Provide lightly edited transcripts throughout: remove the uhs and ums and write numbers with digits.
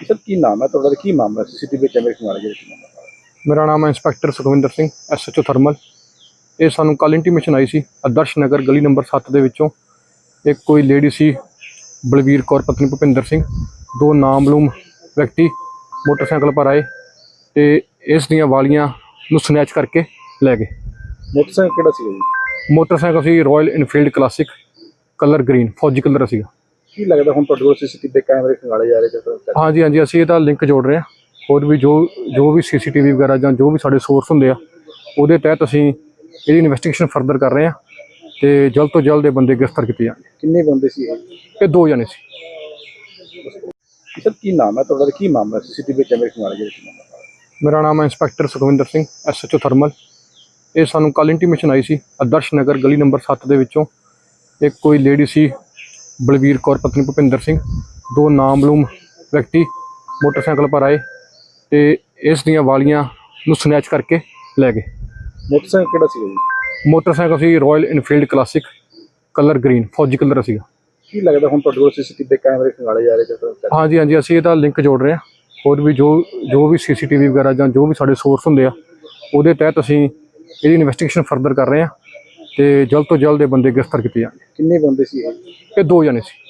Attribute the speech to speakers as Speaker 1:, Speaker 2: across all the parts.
Speaker 1: Sir की नाम है ਤੁਹਾਡਾ ਕੀ ਮਾਮਲਾ ਸੀਸੀਟੀਵੀ ਕੈਮਰੇ ਖਿਵਾਲੇ ਜਿਹੜੇ ਸੀ ਮਾਮਲਾ
Speaker 2: ਮੇਰਾ ਨਾਮ ਹੈ inspector Sukhwinder Singh SHO thermal. ਇਹ ਸਾਨੂੰ ਕੱਲ ਇੰਟੀਮੇਸ਼ਨ ਆਈ ਸੀ ਆਦਰਸ਼ ਨਗਰ ਗਲੀ ਨੰਬਰ 7 ਦੇ ਵਿੱਚੋਂ ਇੱਕ ਕੋਈ ਲੇਡੀ ਸੀ ਬਲਵੀਰ ਕੌਰ ਪਤਨੀ ਭੁਪਿੰਦਰ ਸਿੰਘ, ਦੋ ਨਾਮਲੂਮ ਵਿਅਕਤੀ ਮੋਟਰਸਾਈਕਲ ਪਰ ਆਏ ਤੇ ਇਸ ਦੀਆਂ ਵਾਲੀਆਂ ਨੂੰ ਸਨੈਚ ਕਰਕੇ ਲੈ ਗਏ।
Speaker 1: ਮੋਟਰਸਾਈਕਲ ਕਿਹੜਾ ਸੀ ਜੀ?
Speaker 2: ਮੋਟਰਸਾਈਕਲ ਸੀ Royal Enfield Classic, colour green, ਫੌਜੀ ਕਲਰ ਸੀਗਾ।
Speaker 1: ਕੀ ਲੱਗਦਾ ਹੁਣ ਤੁਹਾਡੇ ਕੋਲ ਸੀਸੀਟੀਵੀ ਕੈਮਰੇ ਖਿਵਾਲੇ ਜਾ ਰਹੇ ਜਦੋਂ
Speaker 2: ਹਾਂਜੀ ਅਸੀਂ ਇਹਦਾ ਲਿੰਕ ਜੋੜ ਰਹੇ ਹਾਂ। ਹੋਰ ਵੀ ਜੋ ਵੀ ਸੀਸੀਟੀਵੀ ਵਗੈਰਾ ਜਾਂ ਜੋ ਵੀ ਸਾਡੇ ਸੋਰਸ ਹੁੰਦੇ ਆ ਉਹਦੇ ਤਹਿਤ ਅਸੀਂ ਇਹਦੀ ਇਨਵੈਸਟੀਗੇਸ਼ਨ ਫਰਦਰ ਕਰ ਰਹੇ ਹਾਂ ਤੇ ਜਲਦ ਤੋਂ ਜਲਦ ਇਹ ਬੰਦੇ ਗ੍ਰਿਫਤਾਰ ਕੀਤੇ ਜਾਣਗੇ।
Speaker 1: ਕਿੰਨੇ ਬੰਦੇ ਸੀ
Speaker 2: ਇਹ ਦੋ ਜਣੇ ਸੀ।
Speaker 1: ਸਰ ਕੀ ਨਾਮ ਹੈ ਤੁਹਾਡਾ ਕੀ ਮਾਮਲਾ ਸੀਸੀਟੀਵੀ ਕੈਮਰੇ ਖਿਵਾਲੇ ਜਿਹੜੇ ਸੀ ਮਾਮਲਾ
Speaker 2: ਮੇਰਾ ਨਾਮ ਹੈ inspector Sukhwinder Singh SHO thermal. ਇਹ ਸਾਨੂੰ ਕੱਲ ਇੰਟੀਮੇਸ਼ਨ ਆਈ ਸੀ ਆਦਰਸ਼ ਨਗਰ ਗਲੀ ਨੰਬਰ 7 ਦੇ ਵਿੱਚੋਂ ਇੱਕ ਕੋਈ ਲੇਡੀ ਸੀ ਬਲਵੀਰ ਕੌਰ ਪਤਨੀ ਭੁਪਿੰਦਰ ਸਿੰਘ, ਦੋ ਨਾਮਲੂਮ ਵਿਅਕਤੀ ਮੋਟਰਸਾਈਕਲ ਪਰ ਆਏ ਤੇ ਇਸ ਦੀਆਂ ਵਾਲੀਆਂ ਨੂੰ ਸਨੈਚ ਕਰਕੇ ਲੈ ਗਏ।
Speaker 1: ਮੋਟਰਸਾਈਕਲ ਕਿਹੜਾ ਸੀ ਜੀ?
Speaker 2: ਮੋਟਰਸਾਈਕਲ ਸੀ Royal Enfield Classic, colour green, ਫੌਜੀ ਕਲਰ ਸੀਗਾ।
Speaker 1: ਕੀ ਲੱਗਦਾ ਹੁਣ ਤੁਹਾਡੇ ਕੋਲ ਸੀਸੀਟੀਵੀ ਕੈਮਰੇ ਖਿਵਾਲੇ ਜਾ ਰਹੇ ਜਦੋਂ
Speaker 2: ਹਾਂਜੀ ਅਸੀਂ ਇਹਦਾ ਲਿੰਕ ਜੋੜ ਰਹੇ ਹਾਂ। ਹੋਰ ਵੀ ਜੋ ਵੀ ਸੀਸੀਟੀਵੀ ਵਗੈਰਾ ਜਾਂ ਜੋ ਵੀ ਸਾਡੇ ਸੋਰਸ ਹੁੰਦੇ ਆ ਉਹਦੇ ਤਹਿਤ ਅਸੀਂ ਇਹਦੀ ਇਨਵੈਸਟੀਗੇਸ਼ਨ ਫਰਦਰ ਕਰ ਰਹੇ ਹਾਂ ਤੇ ਜਲਦ ਤੋਂ ਜਲਦ ਇਹ ਬੰਦੇ ਗ੍ਰਿਫਤਾਰ ਕੀਤੇ ਜਾਣਗੇ।
Speaker 1: ਕਿੰਨੇ ਬੰਦੇ ਸੀ
Speaker 2: ਇਹ ਦੋ ਜਣੇ ਸੀ।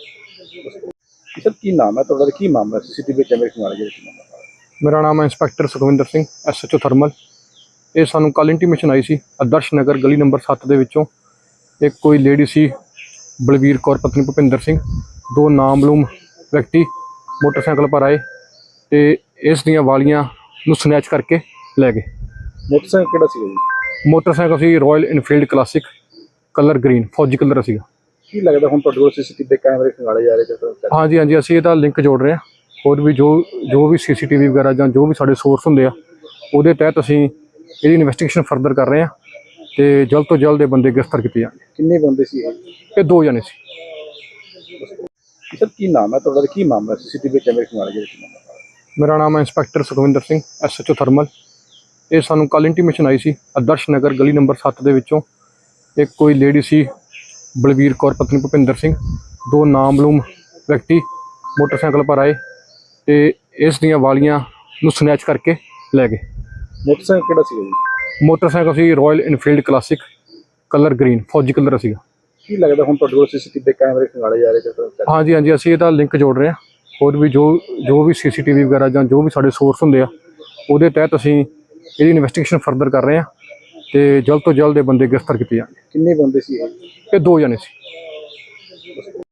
Speaker 1: ਸਰ ਕੀ ਨਾਮ ਹੈ ਤੁਹਾਡਾ ਕੀ ਮਾਮਲਾ ਸੀਸੀਟੀਵੀ ਕੈਮਰੇ ਖਿਵਾਲੇ ਜਿਹੜੇ ਸੀ ਮਾਮਲਾ
Speaker 2: ਮੇਰਾ ਨਾਮ ਹੈ inspector Sukhwinder Singh SHO thermal. ਇਹ ਸਾਨੂੰ ਕੱਲ ਇੰਟੀਮੇਸ਼ਨ ਆਈ ਸੀ ਆਦਰਸ਼ ਨਗਰ ਗਲੀ ਨੰਬਰ 7 ਦੇ ਵਿੱਚੋਂ ਇੱਕ ਕੋਈ ਲੇਡੀ ਸੀ ਬਲਵੀਰ ਕੌਰ ਪਤਨੀ ਭੁਪਿੰਦਰ ਸਿੰਘ, ਦੋ ਨਾਮਲੂਮ ਵਿਅਕਤੀ ਮੋਟਰਸਾਈਕਲ ਪਰ ਆਏ ਤੇ ਇਸ ਦੀਆਂ ਵਾਲੀਆਂ ਨੂੰ ਸਨੈਚ ਕਰਕੇ ਲੈ ਗਏ।
Speaker 1: ਮੋਟਰਸਾਈਕਲ ਕਿਹੜਾ ਸੀ ਜੀ?
Speaker 2: ਮੋਟਰਸਾਈਕਲ ਸੀ Royal Enfield Classic, colour green, ਫੌਜੀ ਕਲਰ ਸੀਗਾ।
Speaker 1: ਕੀ ਲੱਗਦਾ ਹੁਣ ਤੁਹਾਡੇ ਕੋਲ ਸੀਸੀਟੀਵੀ ਕੈਮਰੇ ਖਿਵਾਲੇ ਜਾ ਰਹੇ ਜਦੋਂ
Speaker 2: ਹਾਂਜੀ ਅਸੀਂ ਇਹਦਾ ਲਿੰਕ ਜੋੜ ਰਹੇ ਹਾਂ। ਹੋਰ ਵੀ ਜੋ ਵੀ ਸੀਸੀਟੀਵੀ ਵਗੈਰਾ ਜਾਂ ਜੋ ਵੀ ਸਾਡੇ ਸੋਰਸ ਹੁੰਦੇ ਆ ਉਹਦੇ ਤਹਿਤ ਅਸੀਂ ਇਹਦੀ ਇਨਵੈਸਟੀਗੇਸ਼ਨ ਫਰਦਰ ਕਰ ਰਹੇ ਹਾਂ ਤੇ ਜਲਦ ਤੋਂ ਜਲਦ ਇਹ ਬੰਦੇ ਗ੍ਰਿਫਤਾਰ ਕੀਤੇ ਜਾਣਗੇ।
Speaker 1: ਕਿੰਨੇ ਬੰਦੇ ਸੀ
Speaker 2: ਇਹ ਦੋ ਜਣੇ ਸੀ।
Speaker 1: ਸਰ ਕੀ ਨਾਮ ਹੈ ਤੁਹਾਡਾ ਕੀ ਮਾਮਲਾ ਸੀਸੀਟੀਵੀ ਕੈਮਰੇ ਖਿਵਾਲੇ ਜਿਹੜੇ ਸੀ ਮਾਮਲਾ
Speaker 2: ਮੇਰਾ ਨਾਮ ਹੈ inspector Sukhwinder Singh SHO thermal. ਇਹ ਸਾਨੂੰ ਕੱਲ ਇੰਟੀਮੇਸ਼ਨ ਆਈ ਸੀ ਆਦਰਸ਼ ਨਗਰ ਗਲੀ ਨੰਬਰ 7 ਦੇ ਵਿੱਚੋਂ ਇੱਕ ਕੋਈ ਲੇਡੀ ਸੀ ਬਲਵੀਰ ਕੌਰ ਪਤਨੀ ਭੁਪਿੰਦਰ ਸਿੰਘ, ਦੋ ਨਾਮਲੂਮ ਵਿਅਕਤੀ ਮੋਟਰਸਾਈਕਲ ਪਰ ਆਏ ਤੇ ਇਸ ਦੀਆਂ ਵਾਲੀਆਂ ਨੂੰ ਸਨੈਚ ਕਰਕੇ ਲੈ ਗਏ।
Speaker 1: ਮੋਟਰਸਾਈਕਲ ਕਿਹੜਾ ਸੀ ਜੀ?
Speaker 2: ਮੋਟਰਸਾਈਕਲ ਸੀ Royal Enfield Classic, colour green, ਫੌਜੀ ਕਲਰ ਸੀਗਾ।
Speaker 1: ਕੀ ਲੱਗਦਾ ਹੁਣ ਤੁਹਾਡੇ ਕੋਲ ਸੀਸੀਟੀਵੀ ਕੈਮਰੇ ਖਿਵਾਲੇ ਜਾ ਰਹੇ ਜਦੋਂ
Speaker 2: ਹਾਂਜੀ ਅਸੀਂ ਇਹਦਾ ਲਿੰਕ ਜੋੜ ਰਹੇ ਹਾਂ। ਹੋਰ ਵੀ ਜੋ ਵੀ ਸੀਸੀਟੀਵੀ ਵਗੈਰਾ ਜਾਂ ਜੋ ਵੀ ਸਾਡੇ ਸੋਰਸ ਹੁੰਦੇ ਆ ਉਹਦੇ ਤਹਿਤ ਅਸੀਂ ਇਹਦੀ ਇਨਵੈਸਟੀਗੇਸ਼ਨ ਫਰਦਰ ਕਰ ਰਹੇ ਹਾਂ ਤੇ ਜਲਦ ਤੋਂ ਜਲਦ ਇਹ ਬੰਦੇ ਗ੍ਰਿਫਤਾਰ ਕੀਤੇ ਜਾਣਗੇ।
Speaker 1: ਕਿੰਨੇ ਬੰਦੇ ਸੀ
Speaker 2: ਇਹ ਦੋ ਜਣੇ ਸੀ।